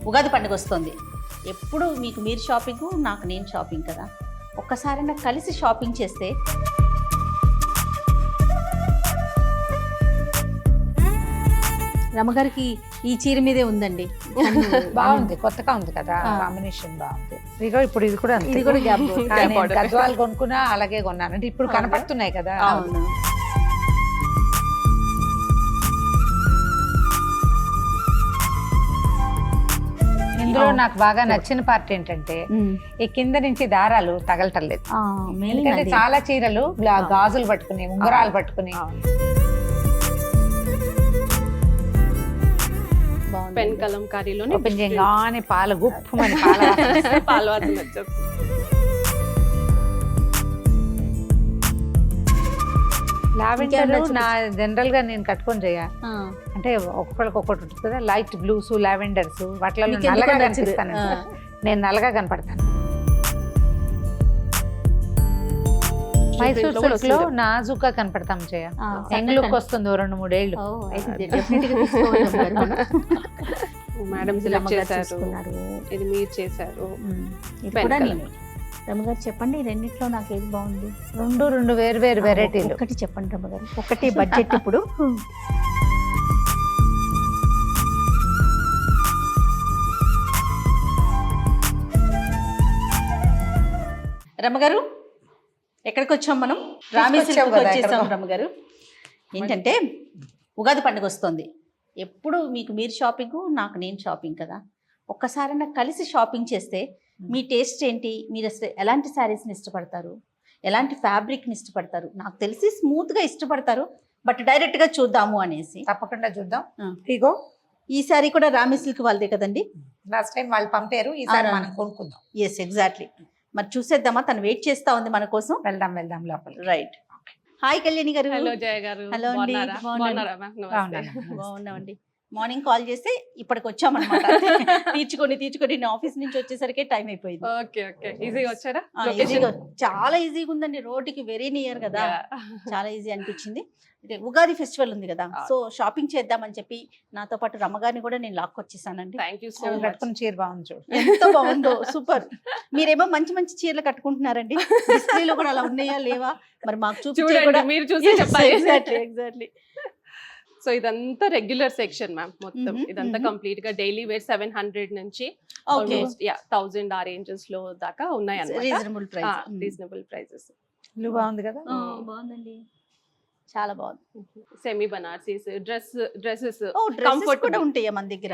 ఉగాది పండుగ వస్తుంది. ఎప్పుడు మీకు మీరు షాపింగ్, నాకు నేను షాపింగ్ కదా. ఒక్కసారైనా కలిసి షాపింగ్ చేస్తే రమగారికి ఈ చీర మీదే ఉందండి. బాగుంది, కొత్తగా ఉంది కదా, కాంబినేషన్ బాగుంది. ఇదిగో ఇప్పుడు ఇది కూడా ఇది కూడా గ్యాప్ గద్వాలు కొనుక్కున్నా అలాగే కొన్నాను, అంటే ఇప్పుడు కనపడుతున్నాయి కదా. అవును. ఇందులో నాకు బాగా నచ్చిన పార్ట్ ఏంటంటే ఈ కింద నుంచి దారాలు తగలటలేదు. ఎందుకంటే చాలా చీరలు గాజులు పట్టుకుని, ఉంగరాలు పట్టుకుని, పెన్ కలంకారీలోనే ఓపెన్ చేయగానే పాలు గుప్పమని పాలు వాసన వచ్చేస్తుంది. లావెండర్ నా జనరల్ గా నేను కట్టుకొని చేయ, అంటే ఒక్కొక్కరికి ఒక్కటి ఉంటుంది కదా, లైట్ బ్లూస్, లావెండర్స్, వాటిలో నల్లగా కనిపిస్తాను. నేను నల్లగా కనపడతాను. మైసూర్ సిల్క్ లో నాజుగా కనపడతాం చేయ, యంగ్ లుక్ వస్తుంది 2-3 ఏళ్ళు. మేడం సెలెక్ట్ చేశారు, ఇది మీరు చేశారు. రమగారు చెప్పండి, రెండిట్లో నాకు ఏది బాగుంది? రెండు వేరు వేరు వెరైటీలు. ఒకటి చెప్పండి రమగారు, ఒకటి బడ్జెట్. ఇప్పుడు రమగారు ఎక్కడికి వచ్చాం మనం? రామీ సిల్క్ వచ్చేసాం. రమగారు ఏంటంటే ఉగాది పండుగ వస్తుంది. ఎప్పుడు మీకు మీరు షాపింగ్, నాకు నేను షాపింగ్ కదా. ఒక్కసారైనా కలిసి షాపింగ్ చేస్తే మీ టేస్ట్ ఏంటి? మీరు అసలు ఎలాంటి శారీస్ని ఇష్టపడతారు, ఎలాంటి ఫ్యాబ్రిక్ని ఇష్టపడతారు? నాకు తెలిసి స్మూత్గా ఇష్టపడతారు, బట్ డైరెక్ట్గా చూద్దాము అనేసి. తప్పకుండా చూద్దాం. ఇగో ఈ శారీ కూడా రామీ సిల్క్ వాళ్ళదే కదండి. లాస్ట్ టైం వాళ్ళు పంపారు, ఈసారి మనం కొనుక్కుందాం. Yes, exactly. మరి చూసేద్దామా? తను వెయిట్ చేస్తా ఉంది మన కోసం. వెళ్దాం లోపల. రైట్. హాయ్ కళ్యాణి గారు. హలో జయ గారు. హలో అండి. బాగున్నామండి. మార్నింగ్ కాల్ చేస్తే ఇప్పటికి వచ్చామన్నమాట. తీర్చుకొని నేను ఆఫీస్ నుంచి వచ్చేసరికి టైం అయిపోయింది. Okay okay. ఈజీగా వచ్చారా? చాలా ఈజీగా ఉందండి, రోడ్డుకి వెరీ నియర్ కదా, చాలా ఈజీ అనిపించింది. ఉగాది ఫెస్టివల్ ఉంది కదా, సో షాపింగ్ చేద్దామని చెప్పి నాతో పాటు రమ్మగారిని కూడా నేను లాక్కొచ్చేసానండి. Thank you so much. చీర బాగుంది చూడు, ఎంత బాగుందో, సూపర్. మీరేమో మంచి మంచి చీరలు కట్టుకుంటున్నారండి. డిస్ప్లేలో కూడా అలా ఉన్నాయా లేవా మరి మాకు చూడండి, మీరు చూసి చెప్పాలి. ఎగ్జాక్ట్లీ. సో ఇదంతా రెగ్యులర్ సెక్షన్ మ్యామ్. మొత్తం ఇదంతా కంప్లీట్ గా డైలీ వేర్ 700 నుంచి 1000 ఆ రేంజెస్ లో దాకా ఉన్నాయి అన్నమాట. Reasonable prices. బాగుంది కదా. బాగుందండి, చాలా బాగుంది. సెమీ బనారసీస్ డ్రెస్సెస్ కంఫర్ట్ కూడా ఉంటాయి మన దగ్గర.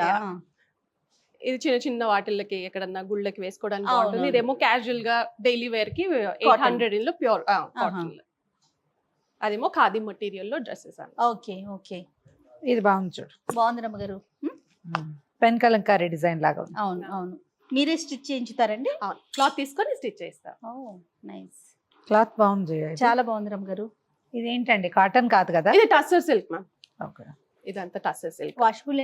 ఇది చిన్న చిన్న వాటిల్లకి ఎక్కడన్నా గుళ్ళకి వేసుకోవడానికి బాగుంటుంది. ఇదేమో క్యాజువల్ గా డైలీ వేర్ కి 800 లో ప్యూర్ కాటన్. అదేమో ఖాదీ మెటీరియల్ లో డ్రెస్సెస్. Okay okay. ఇది బాగుంది చూడు, బాగుంది రమ్మగారు. పెన్ కలంకారీ డిజైన్ లాగా. అవును అవును. మీరే స్టిచ్ చేయించుతారండి? క్లాత్ తీసుకొని స్టిచ్ చేస్తారు. నైస్. క్లాత్ బాగుంది, చాలా బాగుంది రమ్మగారు. ఇదేంటంటే కాటన్ కాదు కదా, ఇది టస్సర్ సిల్క్ మ్యామ్. ఓకే. ఇదంతా టస్సర్ సిల్క్. వాషబుల్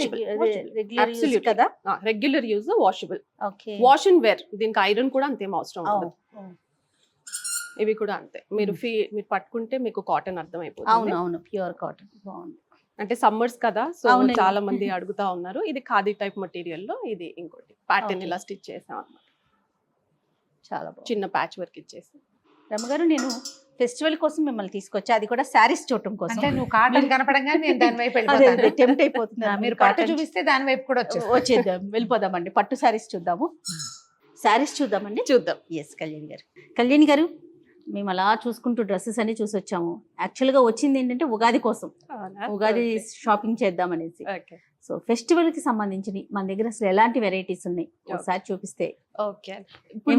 కదా, regular use, washable. Okay. Wash and wear. దీనికి ఐరన్ కూడా అంతేం అవసరం ఉండదు. ఇవి కూడా అంతే. మీరు పట్టుకుంటే మీకు కాటన్ అర్థం అయిపోతుంది. అవును, ప్యూర్ కాటన్. బాగుంది. అంటే సమ్మర్స్ కదా, సో చాలా మంది అడుగుతా ఉన్నారు. ఇది ఖాదీ టైప్ మెటీరియల్ లో ఇది ఇంకోటి ప్యాటర్న్ ఇలా స్టిచ్ చేసాం అన్నమాట. చాలా బాగుంది. చిన్న ప్యాచ్ వర్క్ ఇచ్చేసి. రమగారు, నేను ఫెస్టివల్ కోసం మిమ్మల్ని తీసుకొచ్చా, అది కూడా శారీస్ చూడటం కోసం. అంటే నువ్వు కాటన్ కనపడంగా నేను దాని వైపు వెళ్ళిపోతాను. టెంప్ట్ అయిపోతున్నా. మీరు పట్టు చూపిస్తే దాని వైపు కూడా వచ్చేద్దాం, వెళ్ళిపోదామండి. పట్టు శారీస్ చూద్దాము. శారీస్ చూద్దామండి. చూద్దాం. ఎస్ కళ్యాణి గారు, మేము అలా చూసుకుంటూ డ్రెస్సెస్ అన్ని చూసి వచ్చాము. యాక్చువల్గా వచ్చింది ఏంటంటే ఉగాది కోసం, ఉగాది షాపింగ్ చేద్దాం అనేసి. సో ఫెస్టివల్ కి సంబంధించి మన దగ్గర అసలు ఎలాంటి వెరైటీస్ ఉన్నాయి ఒకసారి చూపిస్తే. ఓకే. ఇప్పుడు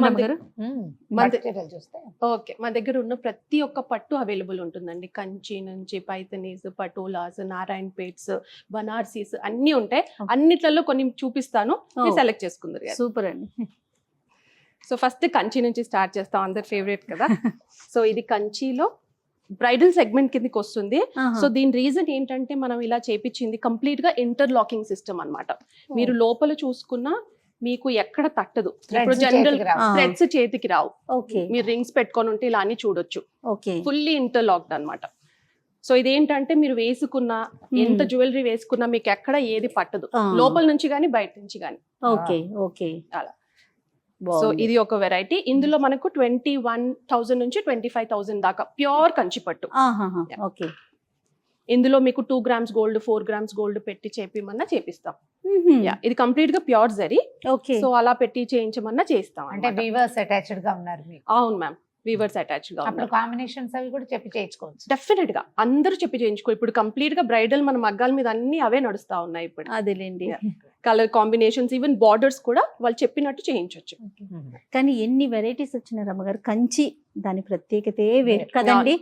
మన దగ్గర ఉన్న ప్రతి ఒక్క పట్టు అవైలబుల్ ఉంటుందండి. కంచి నుంచి పైతనీస్, పటోలాస్, నారాయణ పేట్స్, బనార్సీస్ అన్ని ఉంటాయి. అన్నిట్లలో కొన్ని చూపిస్తాను, సెలెక్ట్ చేసుకుందరు. సూపర్ అండి. సో ఫస్ట్ కంచి నుంచి స్టార్ట్ చేస్తాం, అందరి ఫేవరెట్ కదా. సో ఇది కంచిలో బ్రైడల్ సెగ్మెంట్ కిందకి వస్తుంది. సో దీని రీజన్ ఏంటంటే మనం ఇలా చేపించింది కంప్లీట్ గా ఇంటర్లాకింగ్ సిస్టమ్ అన్నమాట. మీరు లోపల చూసుకున్నా మీకు ఎక్కడ తట్టదు. ఇప్పుడు జనరల్ థ్రెడ్స్ చేతికి రావు. మీరు రింగ్స్ పెట్టుకొని ఉంటే ఇలా అన్ని చూడొచ్చు. ఫుల్లీ ఇంటర్లాక్డ్ అన్నమాట. సో ఇదేంటంటే మీరు వేసుకున్న ఎంత జ్యువెలరీ వేసుకున్నా మీకు ఎక్కడ ఏది పట్టదు, లోపల నుంచి కానీ బయట నుంచి కానీ. ఓకే ఓకే అలా. సో ఇది ఒక వెరైటీ. ఇందులో మనకు 21,000 నుంచి 25,000 దాకా ప్యూర్ కంచి పట్టు. ఓకే. ఇందులో మీకు 2 grams గోల్డ్ 4 grams గోల్డ్ పెట్టి చేపిమన్నా చేపిస్తాం. ఇది కంప్లీట్ గా ప్యూర్ జరీ. ఓకే. సో అలా పెట్టి చేయించమన్నా చేస్తాం. అంటే వీవర్స్ అటాచ్డ్ గా ఉన్నారు మీకు? అవును మ్యామ్, వీవర్స్ అటాచ్డ్ గా అప్పుడు కాంబినేషన్స్ అవి కూడా చెప్పి చేయించుకోవచ్చు. డెఫినెట్ గా అందరూ చెప్పి చేయించుకో. ఇప్పుడు కంప్లీట్ గా బ్రైడల్ మన మగ్గాల మీద అన్ని అవే నడుస్తా ఉన్నాయి ఇప్పుడు. అదేలేండి. కలర్ కాంబినేషన్స్ ఈవెన్ బార్డర్స్ కూడా వాళ్ళు చెప్పినట్టు చేయించవచ్చు. కానీ ఎన్ని వెరైటీస్ వచ్చిన రమ్మగారు, కంచి దాని ప్రత్యేకతే వేరు కదండి.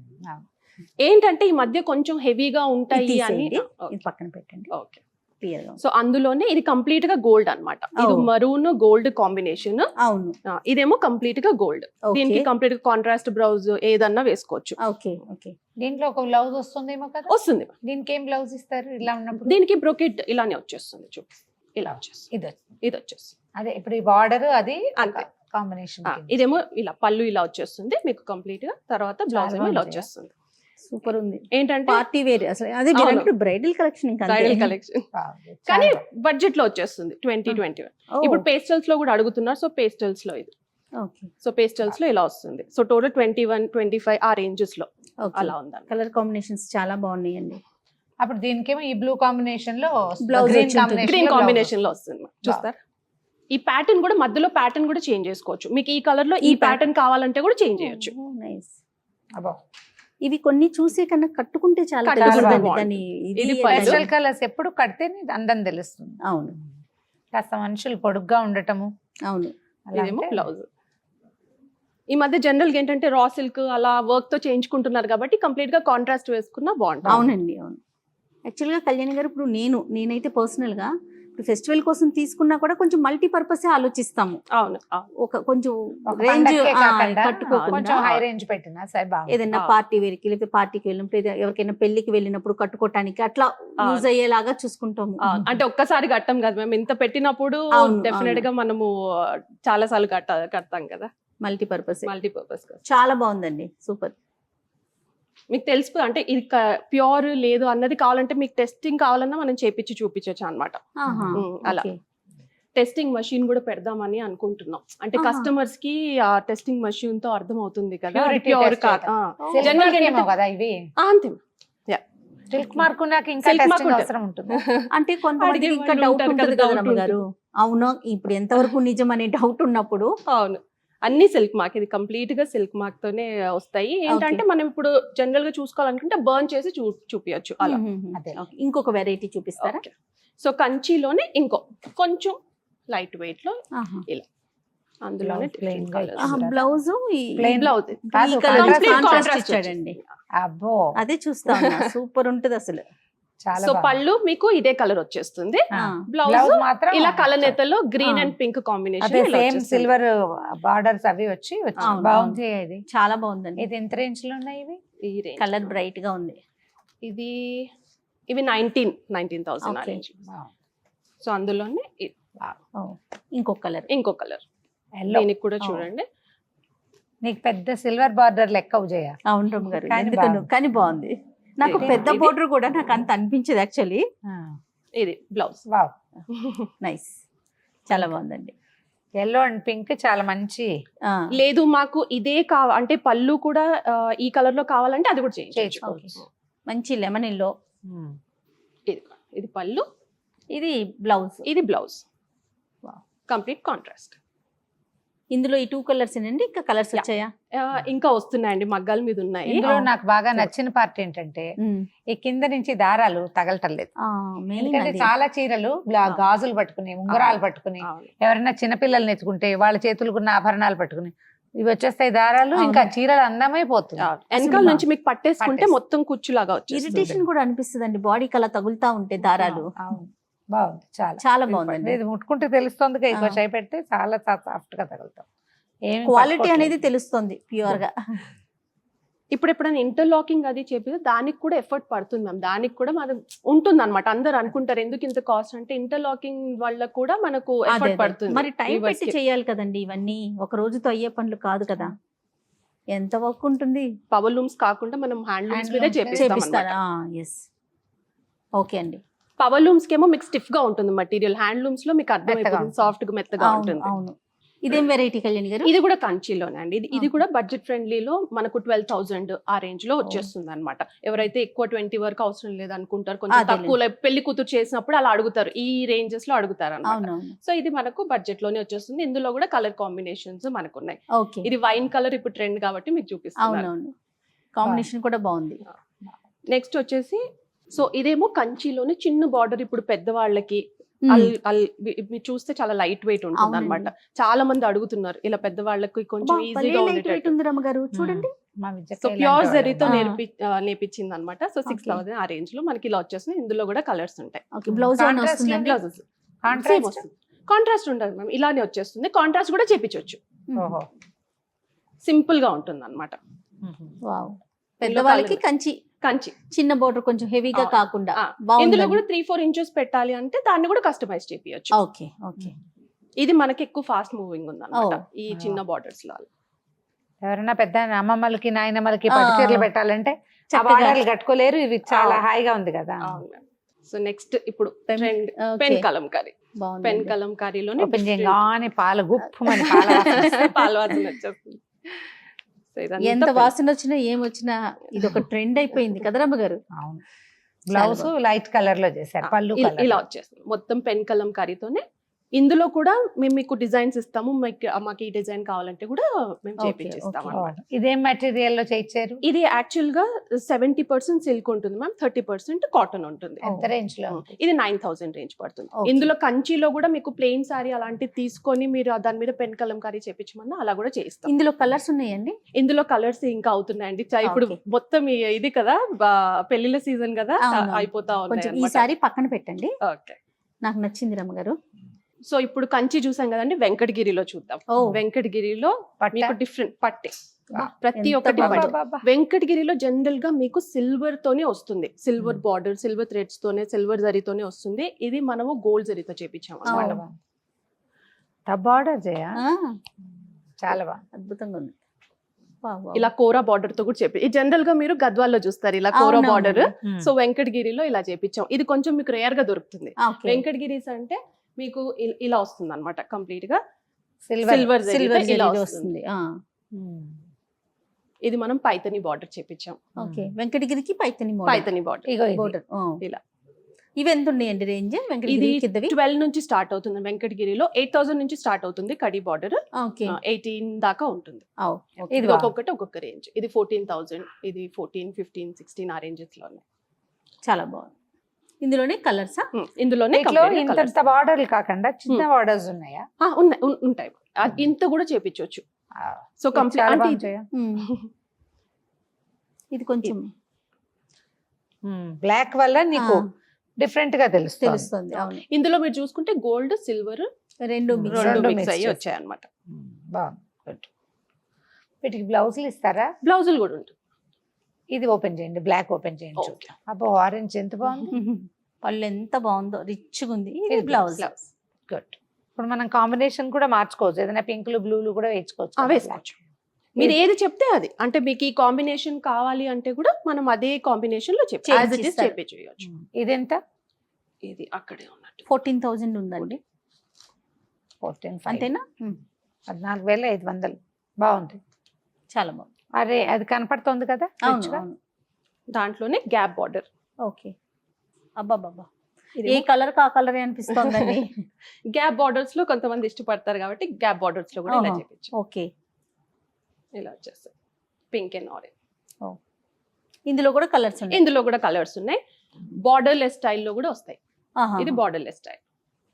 ఏంటంటే ఈ మధ్య కొంచెం హెవీగా ఉంటాయి అని. ఇది పక్కన పెట్టండి. ఓకే. సో అందులోనే ఇది కంప్లీట్ గా గోల్డ్ అన్నమాట. ఇది మరూన్ గోల్డ్ కాంబినేషన్. అవును. ఇదేమో కంప్లీట్ గా గోల్డ్. దీనికి కంప్లీట్ గా కాంట్రాస్ట్ బ్లౌజ్ ఏదన్నా వేసుకోవచ్చు. Okay okay. దీంట్లో ఒక బ్లౌజ్ వస్తుందేమో కదా? వస్తుంది. దీనికి ఏం బ్లౌజ్ ఇస్తారు ఇలా ఉన్నప్పుడు? దీనికి బ్రోకెట్ ఇలానే వచ్చేస్తుంది. చూపి ఇలా వచ్చేస్తుంది. ఇది వచ్చేస్తుంది. అదే ఇప్పుడు ఈ బార్డర్ అది అంతే కాంబినేషన్. ఇదేమో ఇలా పళ్ళు ఇలా వచ్చేస్తుంది మీకు కంప్లీట్ గా. తర్వాత బ్లౌజ్ ఏమో ఇలా వచ్చేస్తుంది. సూపర్ ఉంది. ఏంటంటే పార్టీ వేర్ అసలు. అదే బ్రైడల్ కలెక్షన్. ఇంకా బ్రైడల్ కలెక్షన్ కానీ బడ్జెట్ లో వచ్చేస్తుంది. 2021. ఇప్పుడు పేస్టల్స్ లో కూడా అడుగుతున్నారు. సో పేస్టల్స్ లో ఇది. ఓకే. సో పేస్టల్స్ లో ఇలా వస్తుంది. సో టోటల్ 21, 25 ఆ రేంజెస్ లో అలా ఉంది. కలర్ కాంబినేషన్స్ చాలా బాగున్నాయండి. అప్పుడు దీనికేమో ఈ బ్లూ కాంబినేషన్ లో బ్లౌజ్ గ్రీన్ కాంబినేషన్ లో వస్తుంది. చూస్తారు ఈ ప్యాటర్న్ కూడా మధ్యలో ప్యాటర్న్ కూడా చేంజ్ చేసుకోవచ్చు. మీకు ఈ కలర్ లో ఈ ప్యాటర్న్ కావాలంటే కూడా చేంజ్ చేయొచ్చు. నైస్. ఇవి కొన్ని చూసే కన్నా కట్టుకుంటే చాలా పేస్టల్ కలర్స్ ఎప్పుడు కడితేనే అందం తెలుస్తుంది. అవును. కాస్త మనుషులు పొడుగ్గా ఉండటము. అవును. ఇదేమో బ్లౌజ్. ఈ మధ్య జనరల్ గా ఏంటంటే రా సిల్క్ అలా వర్క్ తో చేయించుకుంటున్నారు కాబట్టి కంప్లీట్ గా కాంట్రాస్ట్ వేసుకున్నా బాగుంటుంది. అవునండి. అవును. యాక్చువల్గా కళ్యాణి గారు ఇప్పుడు నేనైతే పర్సనల్ గా ఇప్పుడు ఫెస్టివల్ కోసం తీసుకున్నా కూడా కొంచెం మల్టీపర్పస్ ఆలోచిస్తాము. అవును. ఒక కొంచెం రేంజ్ కొంచెం హై రేంజ్ పెట్టినా సరే బాగుంటుంది. ఏదైనా పార్టీ వేర్కి లేకపోతే పార్టీకి వెళ్ళినప్పుడు ఎవరికైనా పెళ్లికి వెళ్ళినప్పుడు కట్టుకోవటానికి అట్లా యూజ్ అయ్యేలాగా చూసుకుంటాము. అంటే ఒక్కసారి కట్టం కదా మేము, ఇంత పెట్టినప్పుడు డెఫినెట్ గా మనము చాలా సార్లు కడతాం కదా. మల్టీపర్పస్ చాలా బాగుందండి. సూపర్. మీకు తెలుసు అంటే ఇది ప్యూర్ లేదు అన్నది కావాలంటే మీకు టెస్టింగ్ కావాలన్నా మనం చేపించి చూపించవచ్చు అనమాట. అలా టెస్టింగ్ మషిన్ కూడా పెడదామని అనుకుంటున్నాం. అంటే కస్టమర్స్ కి ఆ టెస్టింగ్ మషిన్ తో అర్థం అవుతుంది కదా ప్యూర్ కాదు. అంతే. సిల్క్ మార్క్ నాకు ఇంకా టెస్టింగ్ అవసరం ఉంటుంది. అంటే కొంతమంది ఇంకా డౌట్ ఉంటుంది కదా రమ్మగారు. అవును, ఇప్పుడు ఎంతవరకు నిజం అనే డౌట్ ఉన్నప్పుడు. అవును, అన్ని సిల్క్ మార్క్. ఇది కంప్లీట్ గా సిల్క్ మార్క్ తోనే వస్తాయి. ఏంటంటే మనం ఇప్పుడు జనరల్ గా చూసుకోవాలనుకుంటే బర్న్ చేసి చూపించచ్చు అలా. ఇంకొక వెరైటీ చూపిస్తారా? సో కంచిలోనే కొంచెం లైట్ వెయిట్ లో ఇలా అందులోనే బ్లౌజ్ ఇచ్చాడండి. అబ్బో అదే చూస్తా సూపర్ ఉంటది అసలు. సో పళ్ళు మీకు ఇదే కలర్ వచ్చేస్తుంది. బ్లౌజ్ మాత్రం ఇలా కలనేతలో green and pink combination, silver borders అవి వచ్చి బాగుంది. ఇది చాలా బాగుందండి. ఇది ఎంత రేంజ్ లో ఉన్నాయి ఇవి? ఈ కలర్ బ్రైట్ గా ఉంది. ఇవి 19,000. సో అందులోనే ఇంకో కలర్ దీనికి కూడా చూడండి. నీకు పెద్ద సిల్వర్ బార్డర్ లెక్క చేయ. అవును రమ్మ గారు, కానీ బాగుంది. నాకు పెద్ద బోర్డర్ కూడా నాకు అంత అనిపించదు యాక్చువల్లీ. ఇది బ్లౌజ్. వావ్, నైస్, చాలా బాగుందండి. ఎల్లో అండ్ పింక్ చాలా మంచి. లేదు మాకు ఇదే అంటే పళ్ళు కూడా ఈ కలర్ లో కావాలంటే అది కూడా చేయించుకోవచ్చు. మంచి లెమన్ ఎల్లో. ఇది పళ్ళు, ఇది బ్లౌజ్. Complete contrast. ఇందులో ఈ 2 కలర్స్ అండి, ఇంకా కలర్స్ వచ్చాయా? ఇంకా వస్తున్నాయండి, మగ్గాల మీద ఉన్నాయి. ఇందులో నాకు బాగా నచ్చిన పార్ట్ ఏంటంటే ఈ కింద నుంచి దారాలు తగలటం లేదు. ఎందుకంటే చాలా చీరలు గాజులు పట్టుకుని, ఉంగరాలు పట్టుకుని, ఎవరైనా చిన్నపిల్లల్ని ఎత్తుకుంటే వాళ్ళ చేతులుకున్న ఆభరణాలు పట్టుకుని ఇవి వచ్చేస్తాయి దారాలు, ఇంకా చీరలు అందమైపోతుంది. వెనకాల నుంచి మీకు పట్టేసుకుంటే మొత్తం కుచ్చులాగా వచ్చి ఇరిటేషన్ కూడా అనిపిస్తుంది అండి, బాడీకి అలా తగులుతా ఉంటే దారాలు. బాగుంది, చాలా బాగుంది. ఇది ముట్టుకుంటే తెలుస్తుంది, ఎక్కువ చేయి పెడితే చాలా సాఫ్ట్ గా తగులుతాం. క్వాలిటీ అనేది తెలుస్తుంది ప్యూర్ గా. ఇప్పుడు ఎప్పుడైనా ఇంటర్లాకింగ్ అది చెప్పి దానికి కూడా ఎఫర్ట్ పడుతుంది మ్యామ్. దానికి కూడా మనం ఉంటుంది అనమాట. అందరు అనుకుంటారు ఎందుకు ఇంత కాస్ట్ అంటే, ఇంటర్లాకింగ్ వల్ల కూడా మనకు ఎఫర్ట్ పడుతుంది. మరి టైం పెట్టి చేయాలి కదండి ఇవన్నీ, ఒక రోజుతో అయ్యే పనులు కాదు కదా. ఎంత వర్క్ ఉంటుంది. పవర్ లూమ్స్ కాకుండా మనం హ్యాండ్లూమ్స్ మీదే Handlooms చేపిస్తాం చేపిస్తారా? ఎస్. ఓకే అండి. పవర్ లూమ్స్ కేమో మీకు స్టిఫ్ గా ఉంటుంది మెటీరియల్, హ్యాండ్లూమ్స్ లో మీకు అర్థమైపోతుంది ఉంటుంది. సాఫ్ట్ గా మెత్తగా అవును ఉంటుంది. అవును. ఇదేం వెరైటీ కళ్యాణి గారు? ఇది కూడా కంచిలోనే అండి. ఇది కూడా బడ్జెట్ ఫ్రెండ్లీలో మనకు 12,000 ఆ రేంజ్ లో వచ్చేస్తుంది అనమాట. ఎవరైతే ఎక్కువ 20 వరకు అవసరం లేదు అనుకుంటారు, కొంచెం అదేలే. తక్కువ పెళ్లి కూతురు చేసినప్పుడు అలా అడుగుతారు, ఈ రేంజెస్ లో అడుగుతారు అనమాట. అవునవును. సో ఇది మనకు బడ్జెట్ లోనే వచ్చేస్తుంది. ఇందులో కూడా కలర్ కాంబినేషన్స్ మనకు ఉన్నాయి. ఓకే. ఇది వైన్ కలర్ ఇప్పుడు ట్రెండ్ కాబట్టి మీకు చూపిస్తున్నాను. అవునవును. కాంబినేషన్ కూడా బాగుంది. నెక్స్ట్ వచ్చేసి సో ఇదేమో కంచిలోనే చిన్న బార్డర్, ఇప్పుడు పెద్దవాళ్ళకి మీరు చూస్తే చాలా లైట్ వెయిట్ ఉంటుంది అనమాట. చాలా మంది అడుగుతున్నారు ఇలా పెద్దవాళ్ళకి కొంచెం ఈజీగా ఉండేటట్టు. ఉంది రమ్మగారు చూడండి. సో ప్యూర్ జరీతో నేర్పించింది అనమాట. సో 6,000 ఆ రేంజ్ లో మనకి ఇలా వచ్చేస్తుంది. ఇందులో కూడా కలర్స్ ఉంటాయి. బ్లౌజ్ బ్లౌజెస్ కాంట్రాస్ట్ ఉండదు మ్యామ్, ఇలానే వచ్చేస్తుంది. కాంట్రాస్ట్ కూడా చేపించవచ్చు, సింపుల్ గా ఉంటుంది అనమాట. పెద్దవాళ్ళకి కంచి కంచి చిన్న బోర్డర్ కొంచెం హెవీగా కాకుండా ఇందులో కూడా 3-4 ఇంచెస్ పెట్టాలి అంటే దాన్ని కూడా కస్టమైజ్ చేపియచ్చు. Okay okay. ఇది మనకి ఎక్కువ ఫాస్ట్ మూవింగ్ ఉంది అనమాట ఈ చిన్న బార్డర్స్ లో. ఎవరైనా పెద్ద అమ్మమ్మలకి నాయనమ్మలకి పట్టు చీరలు పెట్టాలంటే కట్టుకోలేరు. ఇది చాలా హాయిగా ఉంది కదా. సో నెక్స్ట్ ఇప్పుడు ట్రెండ్ పెన్ కలంకారీ. పెన్ కలంకారీలోనే ఓపెన్ చేయగానే పాల గుప్పమని పాల వాసన వచ్చేస్తుంది. ఎంత వాసన వచ్చినా ఏమొచ్చినా ఇది ఒక ట్రెండ్ అయిపోయింది కదా రమ్మగారు. అవును. బ్లౌజ్ లైట్ కలర్ లో చేశారు, పళ్ళు ఇలా వచ్చేస్తుంది మొత్తం పెన్ కలంకారీతోనే. ఇందులో కూడా మేము మీకు డిజైన్స్ ఇస్తాము, మాకు ఈ డిజైన్ కావాలంటే కూడా మేము చేపించిస్తాం అన్నమాట. ఇదేం మెటీరియల్ లో చేయించారు? ఇది యాక్చువల్ గా 70% సిల్క్ ఉంటుంది మ్యామ్, 30% కాటన్ ఉంటుంది. ఎంత రేంజ్ లో? ఇది 9,000 రేంజ్ పడుతుంది. ఇందులో కంచిలో కూడా మీకు ప్లెయిన్ సారీ అలాంటివి తీసుకొని మీరు దాని మీద పెన్ కలంకారీ చేపించమన్నా అలా కూడా చేయిస్తాం. ఇందులో కలర్స్ ఉన్నాయండి? ఇందులో కలర్స్ ఇంకా అవుతున్నాయండి. ఇప్పుడు మొత్తం ఇది కదా పెళ్లిళ్ళ సీజన్ కదా, అయిపోతా ఉన్నాయి. ఈ సారీ పక్కన పెట్టండి. ఓకే, నాకు నచ్చింది రమ్మగారు. సో ఇప్పుడు కంచి చూసాం కదండి, వెంకటగిరిలో చూద్దాం. వెంకటగిరిలో మీకు డిఫరెంట్ పట్టే ప్రతి ఒక్కటి వెంకటగిరిలో జనరల్ గా మీకు సిల్వర్ తోనే వస్తుంది. సిల్వర్ బార్డర్, సిల్వర్ థ్రెడ్స్ తోనే, సిల్వర్ జరీతోనే వస్తుంది. ఇది మనము గోల్డ్ జరీతో చేపించాము. బార్డర్ చాలా బాగా అద్భుతంగా ఉంది. ఇలా కోరా బార్డర్ తో కూడా చేపి, జనరల్ గా మీరు గద్వాల్లో చూస్తారు ఇలా కోరా బార్డర్. సో వెంకటగిరిలో ఇలా చేపించాం. ఇది కొంచెం మీకు రేర్ గా దొరుకుతుంది. వెంకటగిరీస్ అంటే మీకు ఇలా వస్తుంది అనమాట, కంప్లీట్ గా సిల్వర్ ఇలా వస్తుంది. ఇది మనం పైతని బార్డర్ చేపించాం. ఓకే, వెంకటగిరికి పైతని బార్డర్ ఇలా. ఇవి ఎంత ఉన్నాయండి రేంజ్? ఇది 12 నుంచి స్టార్ట్ అవుతుంది. వెంకటగిరిలో 8,000 నుంచి స్టార్ట్ అవుతుంది కడి బార్డర్, 18 దాకా ఉంటుంది. ఇది ఒక్కొక్కటి ఒక్కొక్క రేంజ్. ఇది 14,000, ఇది 14, 15, 16 ఆ రేంజెస్ లో ఉన్నాయి. చాలా బాగుంది. ఇందులోనే కలర్స్? ఇందులోనే ఇంత బార్డర్లు కాకుండా చిన్న బార్డర్స్ ఉన్నాయా? ఉంటాయి. ఇంత కూడా చేపించవచ్చు. సో కంప్లీట్ ఇది కొంచెం బ్లాక్ వల్ల నీకు డిఫరెంట్ గా తెలుస్తుంది. అవును. ఇందులో మీరు చూసుకుంటే గోల్డ్ సిల్వర్ రెండు మిక్స్ అయ్యి వచ్చాయి అన్నమాట. బాగుంది. వీటికి బ్లౌజులు ఇస్తారా? బ్లౌజులు కూడా ఉంటుంది. ఇది ఓపెన్ చేయండి, బ్లాక్ ఓపెన్ చేయండి. అబ్బో, ఆరెంజ్ ఎంత బాగుంది. పళ్ళు ఎంత బాగుందో, రిచ్గా ఉంది. ఇది బ్లౌజ్. గుడ్. ఇప్పుడు మనం కాంబినేషన్ కూడా మార్చుకోవచ్చు, ఏదైనా పింక్లు బ్లూలు కూడా వేసుకోవచ్చు. మీరు ఏది చెప్తే అది, అంటే మీకు ఈ కాంబినేషన్ కావాలి అంటే కూడా మనం అదే కాంబినేషన్ లో చేపించవచ్చు. ఇదెంత? ఇది అక్కడే ఉన్నట్టు 14,000 ఉందండి. 14,500 అంతేనా? 14,500. బాగుంది, చాలా బాగుంది. అరే అది కనపడుతుంది కదా. దాంట్లోనే గ్యాప్ బార్డర్. ఓకే, అబ్బాబ్బా, ఏ కలర్ కా కలర్ అనిపిస్తోందండి. గ్యాప్ బార్డర్స్ లో కొంతమంది ఇష్టపడతారు కాబట్టి గ్యాప్ బార్డర్స్ లో కూడా ఇలా చేపించు. ఓకే, ఇలా వచ్చేస్తాయి పింక్ అండ్ ఆరెంజ్. ఇందులో కూడా కలర్స్ ఉన్నాయి. ఇందులో కూడా కలర్స్ ఉన్నాయి. బార్డర్లెస్ స్టైల్లో కూడా వస్తాయి. ఇది బార్డర్లెస్ స్టైల్,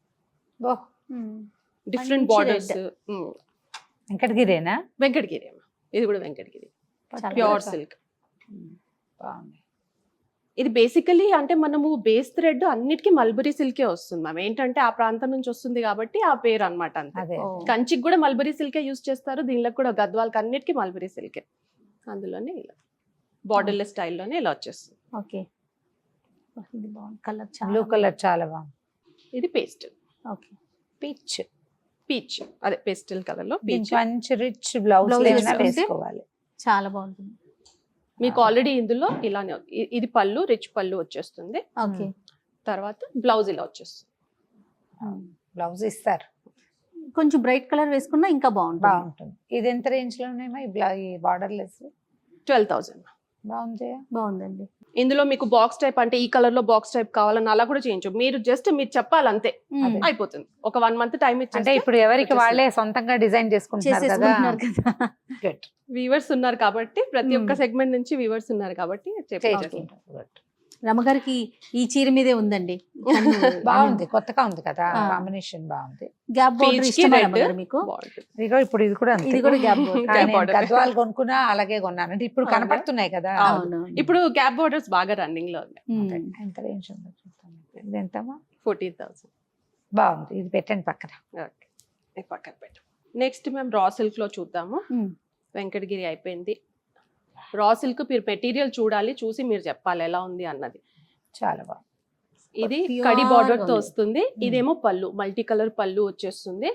డిఫరెంట్ బార్డర్స్. వెంకటగిరేనా? వెంకటగిరి. ఇది కూడా వెంకటగిరి ప్యూర్ సిల్క్. బాగుంది. ఇది బేసికలీ అంటే మనము బేస్ థ్రెడ్ అన్నిటికీ మల్బరీ సిల్కే వస్తుంది మ్యామ్. ఏంటంటే ఆ ప్రాంతం నుంచి వస్తుంది కాబట్టి ఆ పేరు అనమాట. అంతే. కంచికి కూడా మల్బరీ సిల్కే యూజ్ చేస్తారు, దీనిలో కూడా గద్వాల్కి అన్నిటికీ మల్బరీ సిల్కే. అందులోనే ఇలా బార్డర్లెస్ స్టైల్లోనే ఇలా వచ్చేస్తుంది. ఓకే, ఇది బాగుంది. కలర్ బ్లూ కలర్ చాలా బాగుంది. ఇది పేస్టల్. ఓకే, పీచ్ అదే పేస్టల్ కలర్ లో పీచ్. మంచి రిచ్ బ్లౌజ్ వేసుకోవాలి. చాలా బాగుంటుంది. మీకు ఆల్రెడీ ఇందులో ఇలానే ఇది పళ్ళు, రిచ్ పళ్ళు వచ్చేస్తుంది. ఓకే. తర్వాత బ్లౌజ్ ఇలా వచ్చేస్తుంది. బ్లౌజ్ ఇస్తారు, కొంచెం బ్రైట్ కలర్ వేసుకున్నా ఇంకా బాగుంటుంది. బాగుంటుంది. ఇది ఎంత రేంజ్ లో ఉన్నాయమ్మా ఈ బార్డర్ లెస్? 12,000. బాగుంది. బాగుందండి. ఇందులో మీకు బాక్స్ టైప్ అంటే ఈ కలర్ లో బాక్స్ టైప్ కావాలని అలా కూడా చేయించు. మీరు చెప్పాలి అంతే, మ్మ్. అయిపోతుంది. ఒక 1 month టైం అంటే ఇచ్చేస్తే ఇప్పుడు ఎవరికి వాళ్ళే సొంతంగా డిజైన్ చేసుకుంటున్నారు కదా. చేసేసుకుంటున్నారు కదా. Good. వీవర్స్ ఉన్నారు కాబట్టి, ప్రతి ఒక్క సెగ్మెంట్ నుంచి వీవర్స్ ఉన్నారు కాబట్టి చెప్పేస్తాం. Good. రమగారికి ఈ చీర మీదే ఉందండి. బాగుంది, కొత్తగా ఉంది కదా, ఆ. కాంబినేషన్ బాగుంది. గ్యాప్ బోర్డర్ Peach కి ఇష్టమా red. రమగారు మీకు? బాగుంటుంది. ఇదిగో ఇప్పుడు ఇది కూడా అంతే. ఇది కూడా గ్యాప్ బోర్డర్. కానీ Gap నేను border. గద్వాలు కొనుక్కున్నా అలాగే కొన్నాను. అంటే ఇప్పుడు అవునా? కనపడుతున్నాయి కదా. అవును. ఇప్పుడు గ్యాప్ బోర్డర్స్ బాగా రన్నింగ్ లో ఉన్నాయి. ఎంత రేంజ్ ఉందో చూస్తాను. ఇది ఎంతమ్మా? 14,000. బాగుంది, ఇది పెట్టండి పక్కన. ఓకే, పక్కన పెట్టు. నెక్స్ట్ మేము రా సిల్క్ లో చూద్దాము. మ్మ్. వెంకటగిరి అయిపోయింది. రా సిల్క్ మీరు మెటీరియల్ చూడాలి, చూసి మీరు చెప్పాలి ఎలా ఉంది అన్నది. చాలా బాగుంది. ఇది Pure కడి బార్డర్ తో ఉంది. వస్తుంది. ఇదేమో పళ్ళు, మల్టీ కలర్ పళ్ళు వచ్చేస్తుంది.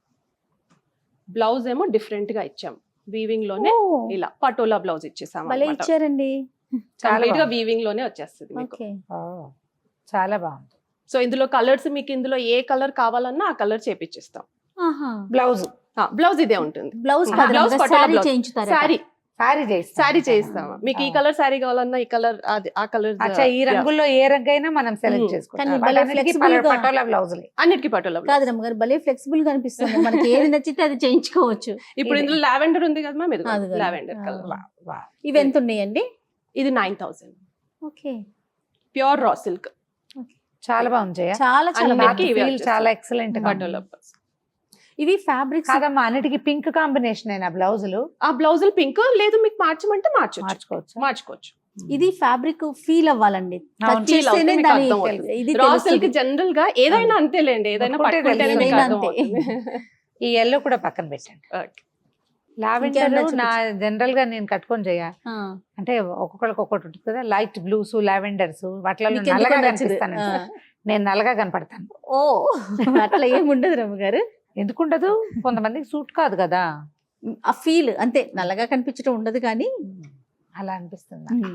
బ్లౌజ్ ఏమో డిఫరెంట్ గా ఇచ్చాం, వీవింగ్ లోనే ఓ, ఇలా పటోలా బ్లౌజ్ ఇచ్చేసాం. భలే ఇచ్చారండి. కంప్లీట్ గా బాగుంది. వీవింగ్ లోనే వచ్చేస్తుంది మీకు. ఓకే. ఓ, చాలా బాగుంది. సో ఇందులో కలర్స్ మీకు ఇందులో ఏ కలర్ కావాలన్నా ఆ కలర్ చేపిచ్చిస్తాం. ఆహా. బ్లౌజ్ బ్లౌజ్ ఇదే ఉంటుంది. బ్లౌజ్ ఆ, బ్లౌజ్ పటోలా సారీ బ్లౌజ్. చేయించుతారా? సారీ సారీ చేయిస్తామా? మీకు ఈ కలర్ సారీ కావాలన్నా ఈ కలర్, ఆ కలర్ అచ్చా, ఈ రంగుల్లో ఏ రంగు అయినా మనం సెలెక్ట్ మ్మ్. చేసుకుంటాం. కానీ భలే వాటన్నిటికీ flexible గా- పటోలా బ్లౌజులే. అన్నిటికీ పటోలా బ్లౌజ్. కాదు రమగారు, భలే ఫ్లెక్సిబుల్ గా అనిపిస్తుంది. మనకి ఏది నచ్చితే అది చేయించుకోవచ్చు. ఇప్పుడు ఇందులో లావెండర్ ఉంది కదా మ్యామ్, ఇది అదిగో. లావెండర్ ఆ. కలర్. ఇవి ఎంత ఉన్నాయండి? ఇది 9,000. ఓకే. ప్యూర్ రా సిల్క్ చాలా బాగుంది జయ. చాలా చాలా అన్నిటికీ బాగుంది. ఇవే Feel వచ్చేస్తాయి. చాలా ఎక్సలెంట్ గా పటోలా ఉంది. బ్లౌజ్. ఇవి ఫ్యాబ్రిక్స్ కాదమ్మా, అన్నిటికీ పింక్ కాంబినేషన్ అయినా బ్లౌజులు ఆ బ్లౌజులు పింక్ లేదు, మీకు మార్చమంటే మార్చుకోవచ్చు. మార్చుకోవచ్చు. ఇది ఫ్యాబ్రిక్ ఫీల్ అవ్వాలండి. అవును, Touch feel చేస్తేనే అవుతుంది, మీకు దాని అర్థమవుతుంది. ఇది రా తెలుస్తుంది. సిల్క్ జనరల్ గా ఏదైనా అంతేలేండి, ఏదైనా ముట్టుకుంటే పట్టుకుంటేనే మీకు ఏదైనా అర్థమవుతుంది. ఈ ఎల్లో కూడా పక్కన పెట్టండి. Okay. లావెండర్ ఇంకేమన్నా నా జనరల్ గా నేను కట్టుకొని చేయ ఆ. అంటే ఒక్కొక్కరికి ఒక్కొక్కటి ఉంటుంది కదా, లైట్ బ్లూస్ లావెండర్స్ వాటిలో మీకు ఎందుకో నల్లగా నచ్చదు. కనిపిస్తాను. ఆ. నేను నల్లగా కనపడతాను. ఓ, అట్లా ఏమి ఉండదు రమగారు. ఎందుకుండదు, కొంతమందికి సూట్ కాదు కదా. ఆ ఫీల్ అంతే, నల్లగా కనిపించడం ఉండదు కానీ. అలా అనిపిస్తుంది నాకు.